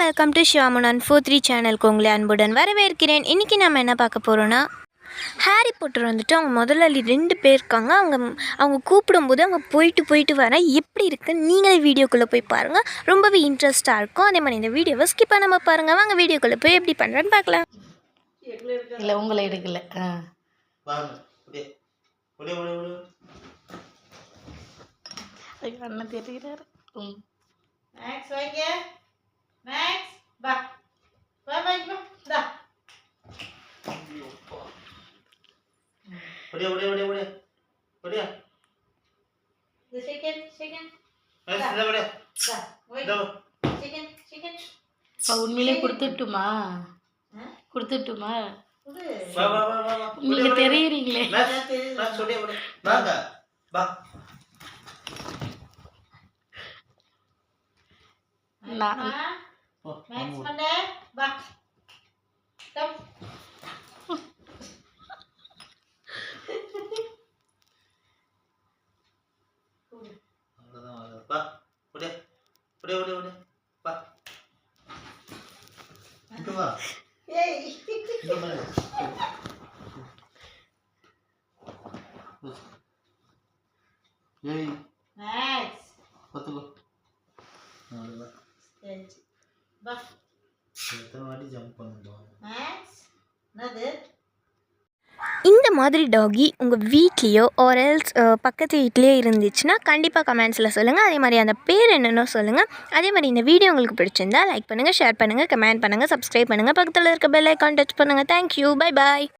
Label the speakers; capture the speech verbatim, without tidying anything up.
Speaker 1: Welcome to Sivamunan four three சேனலுக்கு உங்களை அன்புடன் வரவேற்கிறேன். இன்றைக்கி நம்ம என்ன பார்க்க போகிறோன்னா, ஹாரி பாட்டர் வந்துட்டு அவங்க முதலாளி ரெண்டு பேர் இருக்காங்க. அவங்க அவங்க கூப்பிடும்போது அவங்க போயிட்டு போயிட்டு வர எப்படி இருக்குன்னு நீங்களே வீடியோக்குள்ளே போய் பாருங்கள். ரொம்பவே இன்ட்ரெஸ்ட்டாக இருக்கும். அதே மாதிரி இந்த வீடியோவை ஸ்கிப் பண்ணாமல் பாருங்கள். வாங்க வீடியோக்குள்ளே போய் எப்படி பண்ணுறேன்னு பார்க்கலாம்.
Speaker 2: இல்லை உங்களை எடுக்கல. அண்ணன் தெரிகிறாரு. ம்
Speaker 3: மேக்ஸ் வைங்க. மேக்ஸ் பா வா வைங்க டா.
Speaker 4: ஓடியா ஓடியா ஓடியா ஓடியா ஓடியா.
Speaker 3: The second second.
Speaker 4: மேக்ஸ் இத ஓடியா.
Speaker 3: டா
Speaker 4: ஓய் டா.
Speaker 3: Second second.
Speaker 2: பா உண்மையிலே கொடுத்துட்டுமா? கொடுத்துட்டுமா?
Speaker 4: வா வா வா வா.
Speaker 2: நீங்க தெரியுறீங்களே.
Speaker 4: மேக்ஸ் மேக்ஸ் ஓடியா ஓடியா. வாங்க பா.
Speaker 2: நான்
Speaker 3: மேக்ஸ் பண்ணே பா. கம்.
Speaker 4: அவ்வளவுதான் வா. பா. ஓடியா. ஓடியா ஓடியா ஓடியா. பா. இங்க வா.
Speaker 3: ஏய்.
Speaker 4: இங்க வா. ஏய்.
Speaker 3: மேக்ஸ்.
Speaker 4: பத்துக்கோ. அவ்வளவுதான்.
Speaker 3: சரி. பா.
Speaker 4: எத்தனை வாட்டி ஜம்ப் பண்ணுவோம்.
Speaker 3: மேக்ஸ். என்னது?
Speaker 1: இந்த மாதிரி டாகி உங்கள் வீட்லேயோ ஆர் எல்ஸ் பக்கத்து வீட்லேயோ இருந்துச்சுன்னா கண்டிப்பாக கமெண்ட்ஸில் சொல்லுங்கள். அதே மாதிரி அந்த பேர் என்னென்னோ சொல்லுங்கள். அதே மாதிரி இந்த வீடியோ உங்களுக்கு பிடிச்சிருந்தா லைக் பண்ணுங்கள், ஷேர் பண்ணுங்கள், கமெண்ட் பண்ணுங்கள், சப்ஸ்கிரைப் பண்ணுங்கள், பக்கத்தில் இருக்க பெல் ஐக்கான் டச் பண்ணுங்கள். தேங்க்யூ, பை பாய்.